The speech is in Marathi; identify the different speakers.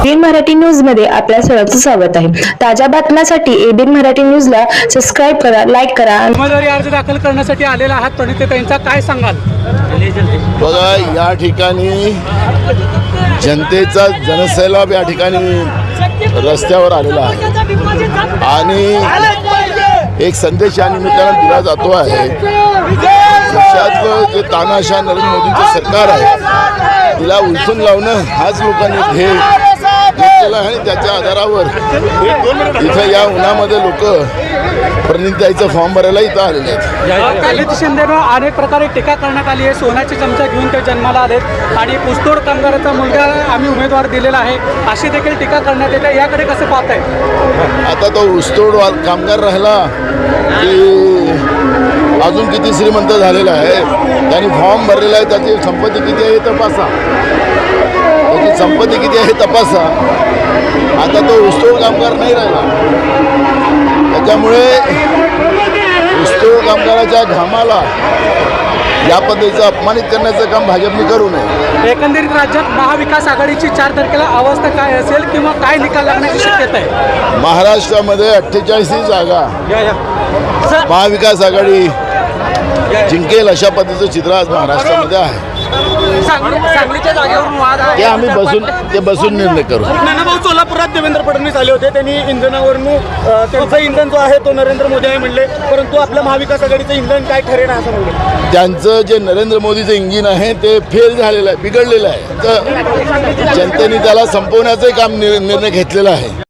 Speaker 1: एबीएन मराठी न्यूज मध्ये आपल्या सर्वांचं स्वागत आहे। ताज्या बातम्यांसाठी एबीएन मराठी न्यूजला सबस्क्राइब करा, लाईक करा।
Speaker 2: उमेदवारी अर्ज दाखल करण्यासाठी आलेला आहात प्रणितीताईंचा काय सांगाल?
Speaker 3: बघा, या ठिकाणी जनतेचा जनसैलाब या ठिकाणी रस्त्यावर आलेला आहे आणि एक संदेश या निमित्तानं दिला जातो आहे। देशात जे तानाशाह नरेंद्र मोदींचं सरकार आहे तिला उलथून लावणं हाच लोकांनी ध्येय घेतलेला आहे आणि त्याच्या आधारावर इथं या उन्हामध्ये लोक प्रणितीताईचं फॉर्म भरायला इथं आलेले आहेत।
Speaker 2: दलित शिंदेनं अनेक प्रकारे टीका करण्यात आली आहे। सोन्याची चमचा घेऊन ते जन्माला आलेत आणि ऊसतोड कामगाराचा मुलगा आम्ही उमेदवार दिलेला आहे अशी देखील टीका करण्यात येते। याकडे कसं पाहताय?
Speaker 3: आता तो ऊसतोड कामगार राहिला की अजून किती श्रीमंत झालेला आहे, त्यांनी फॉर्म भरलेला आहे, त्याची संपत्ती किती आहे हे तपासा, त्याची संपत्ती किती आहे हे तपासा। आता तो ऊसतोड कामगार नाही राहिला, त्याच्यामुळे ऊसतोड कामगाराच्या घामाला या पद्धतीचं अपमानित करण्याचं काम भाजपने करू नये।
Speaker 2: एकंदरीत राज्यात महाविकास आघाडीची 4 तारखेला अवस्था काय असेल किंवा काय निकाल लागण्याची शक्यता आहे?
Speaker 3: महाराष्ट्रामध्ये 48 जागा महाविकास आघाडी जिंकेल अशा पद्धतीचं चित्र आज महाराष्ट्रामध्ये आहे।
Speaker 2: सांगलीच्या जागेवरून वाद
Speaker 3: ते आम्ही बसून निर्णय करू।
Speaker 2: नानाभाऊ सोलापुरात देवेंद्र फडणवीस आले होते, त्यांनी इंधनावरून त्यांचं इंधन जो आहे तो नरेंद्र मोदी आहे म्हणले, परंतु आपल्या महाविकास आघाडीचं इंधन काय ठरेल असं म्हणले।
Speaker 3: त्यांचं जे नरेंद्र मोदीचं इंजिन आहे ते फेल झालेलं आहे, बिघडलेलं आहे, तर जनतेने त्याला संपवण्याचं काम निर्णय घेतलेला आहे।